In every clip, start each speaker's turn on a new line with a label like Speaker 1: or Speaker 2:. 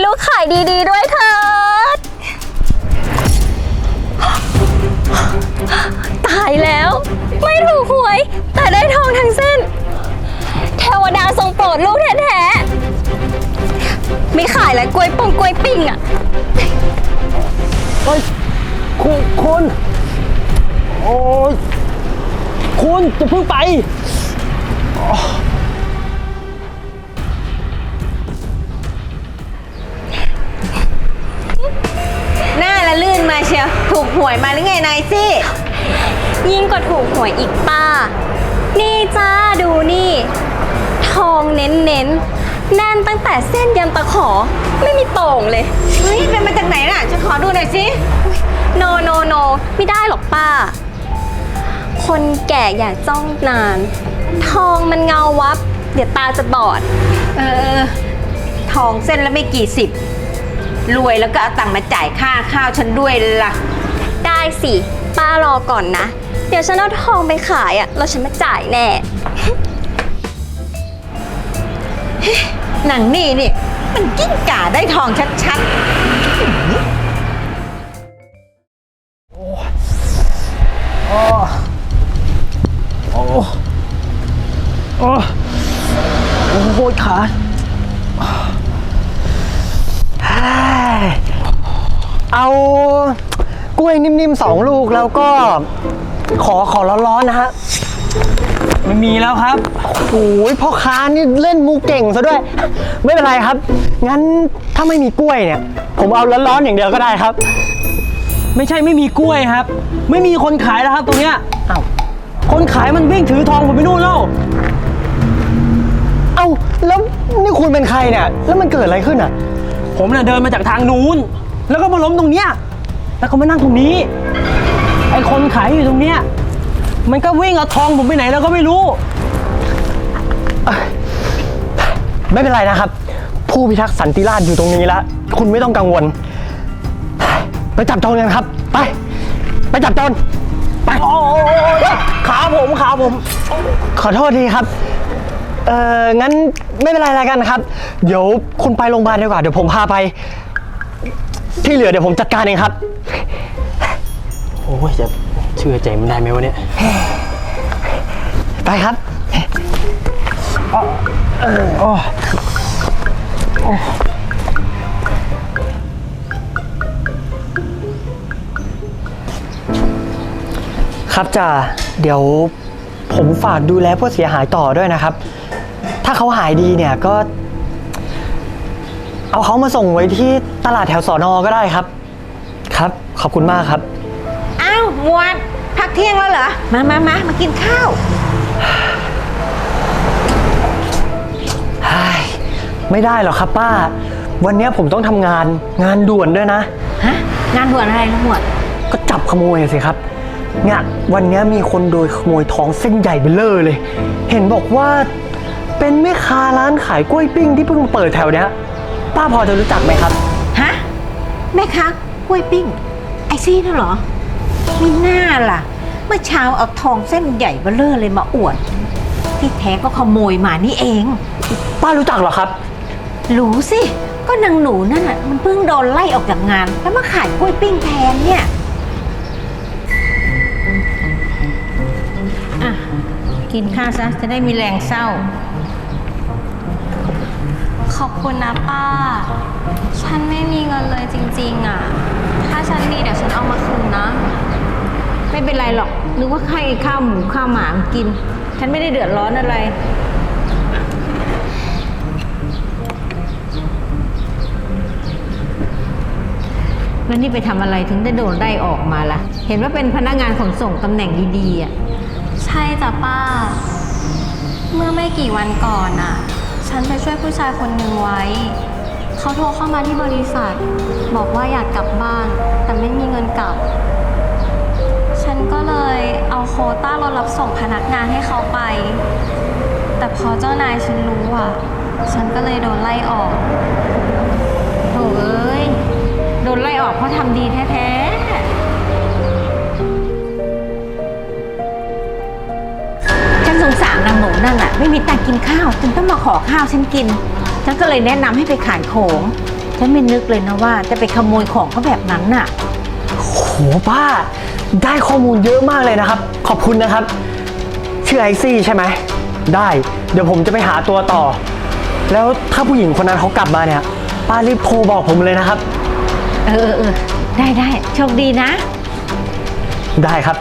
Speaker 1: ลูกขายดีๆด้วยเถิดตายแล้วไม่ถูกหวยแต่ได้ทองทั้งเส้นเทวดาทรงโปรดลูกแท้ๆไม่ขายแล้วกล้วยปงกล้วยปิ้งอ่ะ
Speaker 2: เฮ้ยคุณโอ้ยคุณจะเพิ่งไป
Speaker 3: หน้าละลื่นมาเชียวถูกหวยมาหรือไงนายซี่
Speaker 1: ยิ่งกว่าถูกหวยอีกป้านี่จ้าดูนี่ทองเน้นแน่นตั้งแต่เส้นยันตะขอไม่มีโต่งเลย
Speaker 3: เฮ้ยเป็นมาจากไหนน่ะฉันขอดูหน่อยสิ
Speaker 1: โนไม่ได้หรอกป้าคนแก่อย่าจ้องนานทองมันเงาวับเดี๋ยวตาจะบอด
Speaker 3: เออทองเส้นละไม่กี่สิบรวยแล้วก็เอาตังค์มาจ่ายค่าข้าวฉันด้วยล่ะ
Speaker 1: ได้สิป้ารอก่อนนะเดี๋ยวฉันเอาทองไปขายอ่ะแล้วฉันมาจ่ายแน่
Speaker 3: หนังนี่มันกิ้งก่าได้ทองชัด
Speaker 2: โอ้ยขาเอากล้วยนิ่มๆ2 ลูกแล้วก็ขอร้อนๆนะฮะไม่มีแล้วครับโอ้ยพ่อค้านี่เล่นมุกเก่งซะด้วยไม่เป็นไรครับงั้นถ้าไม่มีกล้วยเนี่ยผมเอาร้อนๆอย่างเดียวก็ได้ครับไม่ใช่ไม่มีกล้วยครับไม่มีคนขายแล้วครับตรงเนี้ยอ้าวคนขายมันวิ่งถือทองผมไปนู่นแล้วเอ้าแล้วนี่คุณเป็นใครเนี่ยแล้วมันเกิดอะไรขึ้นอ่ะผมน่ะเดินมาจากทางนู้นแล้วก็มาล้มตรงเนี้ยแล้วก็มานั่งตรงนี้ไอ้คนขายอยู่ตรงเนี้ยมันก็วิ่งเอาทองผมไปไหนแล้วก็ไม่รู้ไม่เป็นไรนะครับผู้พิทักษ์สันติราษฎร์อยู่ตรงนี้แล้วคุณไม่ต้องกังวลไปจับโจรกันครับไปจับโจรไปขาผมขอโทษทีครับงั้นไม่เป็นไรแล้วกันครับเดี๋ยวคุณไปโรงพยาบาลดีกว่าเดี๋ยวผมพาไปที่เหลือเดี๋ยวผมจัดการเองครับโอ้ยจะเชื่อใจมันได้ไหมวะเนี่ยไปครับครับจ่าเดี๋ยวผมฝากดูแลผู้เสียหายต่อด้วยนะครับถ้าเขาหายดีเนี่ยก็เอาเขามาส่งไว้ที่ตลาดแถวสน.ก็ได้ครับครับขอบคุณมากครับ
Speaker 3: อ้าวหมวดพักเที่ยงแล้วเหรอมากินข้าว
Speaker 2: ไม่ได้หรอกครับป้าวันนี้ผมต้องทำงานด่วนด้วยนะ
Speaker 3: ฮะงานด่วนอะไรนะหมวด
Speaker 2: ก็จับขโมยสิครับเนี่ยวันนี้มีคนโดยขโมยทองเส้นใหญ่เบ้อเร่อเลยเห็นบอกว่าเป็นแม่ค้าร้านขายกล้วยปิ้งที่เพิ่งเปิดแถวเนี้ยป้าพอจะรู้จักไหมครับ
Speaker 3: ฮะแม่ค้ากล้วยปิ้งไอซี่น่ะเหรอมีหน้าล่ะเมื่อเช้าเอาทองเส้นใหญ่เบ้อเร่อเลยมาอวดที่แท้ก็ขโมยมานี่เอง
Speaker 2: ป้ารู้จักเหรอครับ
Speaker 3: รู้สิก็นางหนูนั่นน่ะมันเพิ่งโดนไล่ออกจากงานแล้วมาขายกล้วยปิ้งแทนเนี่ยอ่ะกินข้าวซะจะได้มีแรงเศร้า
Speaker 1: ขอบคุณนะป้าฉันไม่มีเงินเลยจริงๆอ่ะถ้าฉันมีเดี๋ยวฉันเอามาคืนนะ
Speaker 3: ไม่เป็นไรหรอกนึกว่าใครข้าวหมูข้าวหมากินฉันไม่ได้เดือดร้อนอะไรแล้วนี่ไปทำอะไรถึงได้โดนไล่ออกมาล่ะเห็นว่าเป็นพนักงานขนส่งตำแหน่งดีๆอ่ะ
Speaker 1: ใช่จ้ะป้าเมื่อไม่กี่วันก่อนอ่ะฉันไปช่วยผู้ชายคนหนึ่งไว้เขาโทรเข้ามาที่บริษัทบอกว่าอยากกลับบ้านแต่ไม่มีเงินกลับฉันก็เลยเอาโควต้ารถรับส่งพนักงานให้เขาไปแต่พอเจ้านายฉันรู้อ่ะฉันก็เลยโดนไล่ออก
Speaker 3: โถ่เอ้ยโดนไล่ออกเพราะทำดีแท้ๆฉันสงสารนางหนูนั่นแหละไม่มีตังค์กินข้าวจึงต้องมาขอข้าวฉันกินฉันก็เลยแนะนำให้ไปขายของฉันไม่นึกเลยนะว่าจะไปขโมยของเขาแบบนั้นน่ะ
Speaker 2: โหป้า ได้ข้อมูลเยอะมากเลยนะครับ ขอบคุณนะครับ ชื่อไอซี่ใช่ไหม ได้ เดี๋ยวผมจะไปหาตัวต่อ แล้วถ้าผู้หญิงคนนั้นเขากลับมาเนี่ย ป้ารีบโทรบอกผมเลยนะครับ
Speaker 3: เออ ได้โชคดีนะ
Speaker 2: ได้ครับ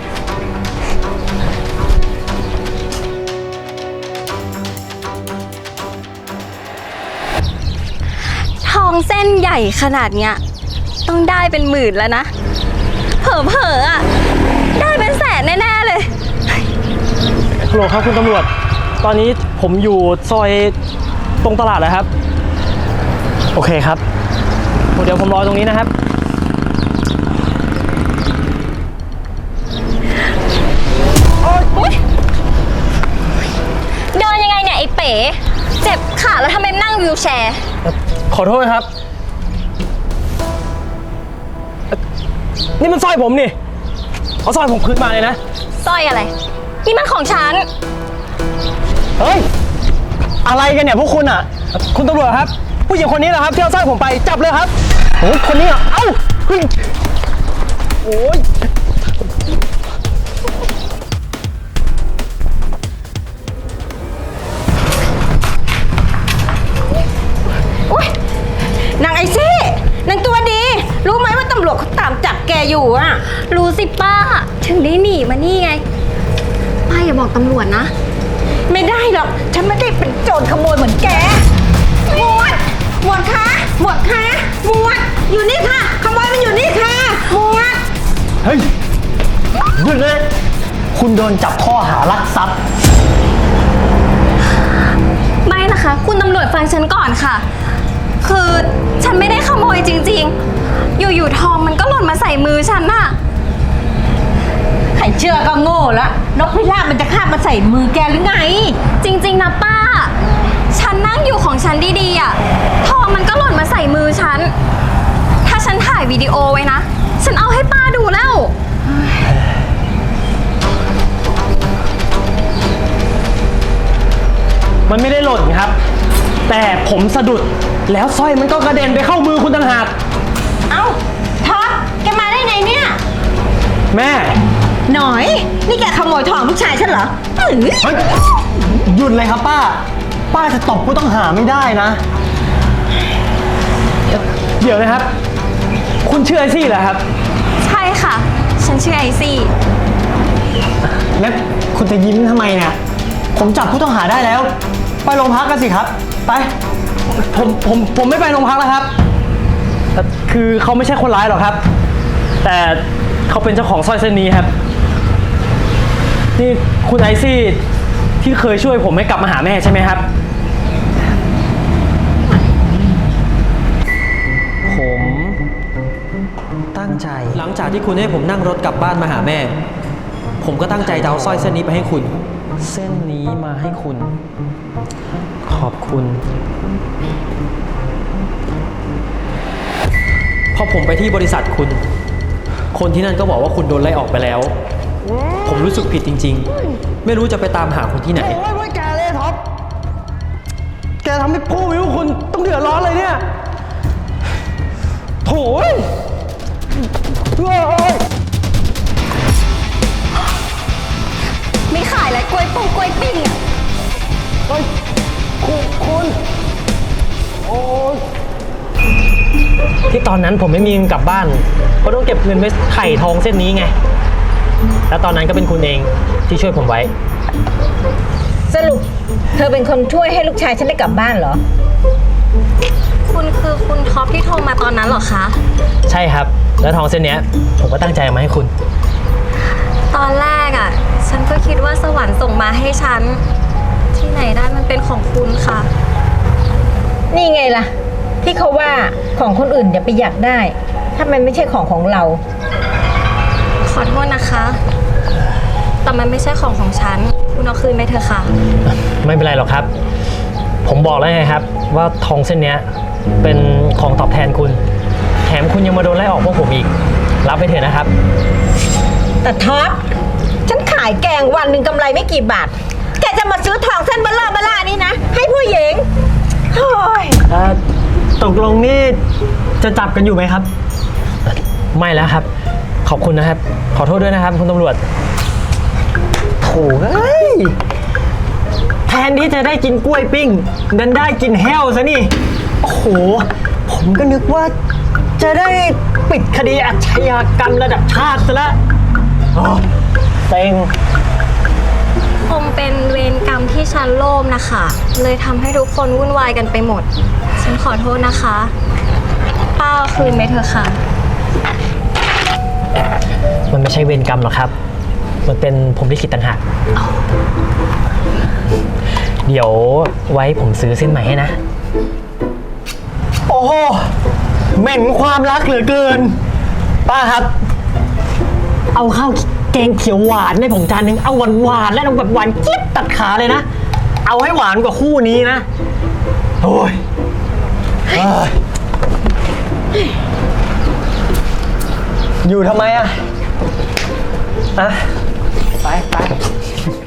Speaker 1: ทองเส้นใหญ่ขนาดเนี้ยต้องได้เป็นหมื่นแล้วนะ เผลอๆอ่ะ ได้เป็นแสนแน่ๆเลย
Speaker 4: ฮัลโหลครับคุณตำรวจ ตอนนี้ผมอยู่ซอยตรงตลาดเลยครับ
Speaker 2: โอเคครับ
Speaker 4: เดี๋ยวผมรอตรงนี้นะครับ
Speaker 1: เดินยังไงเนี่ยไอ้เป๋เจ็บขาแล้วทำไมนั่งวิวแชร์
Speaker 4: ขอโทษครับ นี่มันสร้อยผมนี่ เอาสร้อยผมคืนมาเลยนะ
Speaker 1: สร้อยอะไร นี่มันของฉัน
Speaker 2: เฮ้ย อะไรกันเนี่ยพวกคุณอ่ะ
Speaker 4: คุณตำรวจครับ ผู้หญิงคนนี้แหละครับที่เอาสร้อยผมไปจับเลยครับ
Speaker 2: โอ้คนนี้อ่ะ เอ้าเฮ้ย
Speaker 4: โอ้ย
Speaker 3: อุ๊ยนางไอซี่นางตัวดี รู้ไหมว่าตำรวจเขาตามจับแกอยู่อะ
Speaker 1: รู้สิป้า ถึงได้หนีมานี่ไง ป้าอย่าบอกตำรวจนะ
Speaker 3: ไม่ได้หรอก ฉันไม่ได้เป็นโจรขโมยเหมือนแก หมวดคะหมวดอยู่นี่ค่ะ ขโมยมันอยู่นี่ค่ะ หมวด
Speaker 2: เฮ้ย หยุดเลย คุณโดนจับข้อหารักทรัพย์
Speaker 1: ไม่นะคะ คุณตำรวจฟังฉันก่อนค่ะ คือฉันไม่ได้ขโมยจริงๆ อยู่ๆทองมันก็หล่นมาใส่มือฉันน่ะ
Speaker 3: ใครเชื่อก็โง่ละนกพิราบมันจะคาบมาใส่มือแกหรือไง
Speaker 1: จริงๆนะป้า ฉันนั่งอยู่ของฉันดีๆอ่ะ ทองมันก็หล่นมาใส่มือฉัน ถ้าฉันถ่ายวิดีโอไว้นะ ฉันเอาให้ป้าดูแล้ว
Speaker 4: มันไม่ได้หล่นครับ แต่ผมสะดุด แล้วสร้อยมันก็กระเด็นไปเข้ามือคุณต่างหาก
Speaker 3: เอ้าท็อปแกมาได้ไงเนี่ย
Speaker 4: แม่
Speaker 3: หน่อย นี่แกขโมยทองลูกชายฉันเหรออื้อ
Speaker 2: เฮ้ย หยุดเลยครับป้า ป้าจะตบผู้ต้องหาไม่ได้นะ
Speaker 4: เดี๋ยวนะครับ คุณชื่อไอซี่เหรอครับ
Speaker 1: ใช่ค่ะ ฉันชื่อไอซี่
Speaker 2: แล้วคุณจะยิ้มทำไมเนี่ย ผมจับผู้ต้องหาได้แล้ว ไปโรงพักกันสิครับ ไป
Speaker 4: ผมไม่ไปโรงพักแล้วครับ คือเขาไม่ใช่คนร้ายหรอกครับ แต่เขาเป็นเจ้าของสร้อยเส้นนี้ครับ นี่คุณไอซี่ที่เคยช่วยผมให้กลับมาหาแม่ใช่ไหมครับ
Speaker 2: ผมตั้งใจ
Speaker 5: หลังจากที่คุณให้ผมนั่งรถกลับบ้านมาหาแม่ ผมก็ตั้งใจจะเอาสร้อยเส้นนี้ไปให้คุณ
Speaker 2: เส้นนี้มาให้คุณ ขอบคุณ
Speaker 5: พอผมไปที่บริษัทคุณ คนที่นั่นก็บอกว่าคุณโดนไล่ออกไปแล้ว ผมรู้สึกผิดจริงๆ ไม่รู้จะไปตามหาคุณที่ไหน
Speaker 4: โอ้ยแกเลยท็อป แกทำให้ผู้วิวคุณต้องเดือดร้อนเลยเนี่ย โถ่เว้ยเฮ้ย
Speaker 1: ไม่ขายแล้วกล้วยปุ้งกล้วยปิ้งอ่ะ
Speaker 4: เฮ้ยคุณ โอ้ย ที่ตอนนั้นผมไม่มีเงินกลับบ้านเพราะต้องเก็บเงินไว้ไถ่ทองเส้นนี้ไง แล้วตอนนั้นก็เป็นคุณเองที่ช่วยผมไว้
Speaker 3: สรุป เธอเป็นคนช่วยให้ลูกชายฉันได้กลับบ้านเหรอ
Speaker 1: คุณคือคุณท็อปที่โทรมาตอนนั้นเหรอคะ
Speaker 4: ใช่ครับ แล้วทองเส้นเนี้ย ผมก็ตั้งใจเอามาให้คุณ
Speaker 1: ตอนแรกอ่ะ ฉันก็คิดว่าสวรรค์ส่งมาให้ฉัน ที่ไหนได้มันเป็นของคุณค่ะ
Speaker 3: นี่ไงล่ะ ที่เขาว่าของคนอื่นอย่าไปอยากได้ ถ้ามันไม่ใช่ของเรา
Speaker 1: ขอโทษนะคะ แต่มันไม่ใช่ของฉัน คุณเอาคืนไปเถอะค่ะ
Speaker 4: ไม่เป็นไรหรอกครับ ผมบอกแล้วไงครับ ว่าทองเส้นเนี้ยเป็นของตอบแทนคุณ แถมคุณยังมาโดนไล่ออกพวกผมอีก รับไปเถอะนะครับ
Speaker 3: แต่ท็อป ฉันขายแกงวันหนึ่งกำไรไม่กี่บาท แกจะมาซื้อทองเส้นเบลล่านี่นะ ให้ผู้หญิงโอ้ย
Speaker 2: ตกลงนี่จะจับกันอยู่ไหมครับ
Speaker 4: ไม่แล้วครับ ขอบคุณนะครับ ขอโทษด้วยนะครับ คุณตำรวจ
Speaker 2: โถ่เอ้ย แทนที่จะได้กินกล้วยปิ้งดันได้กินแห้วซะนี่ โอ้โห ผมก็นึกว่าจะได้ปิดคดีอาชญากรรมระดับชาติซะแล้วโอ้เซ็ง
Speaker 1: คงเป็นเวรกรรมที่ฉันโลภนะคะ เลยทำให้ทุกคนวุ่นวายกันไปหมด ฉันขอโทษนะคะ ป้าเอาคืนไปเถอะค่ะ
Speaker 4: มันไม่ใช่เวรกรรมหรอกครับ มันเป็นผมลิขิตต่างหาก เดี๋ยวไว้ผมซื้อเส้นใหม่ให้นะ
Speaker 2: โอ้โหเหม็นความรักเหลือเกิน ป้าครับ เอาข้าวแกงเขียวหวานให้ผมจานหนึ่งเอาหวานๆและเอาแบบหวานเจี๊ยบตัดขาเลยนะ เอาให้หวานกว่าคู่นี้นะ โอ้ยเอ้ยอยู่ทำไมอะไป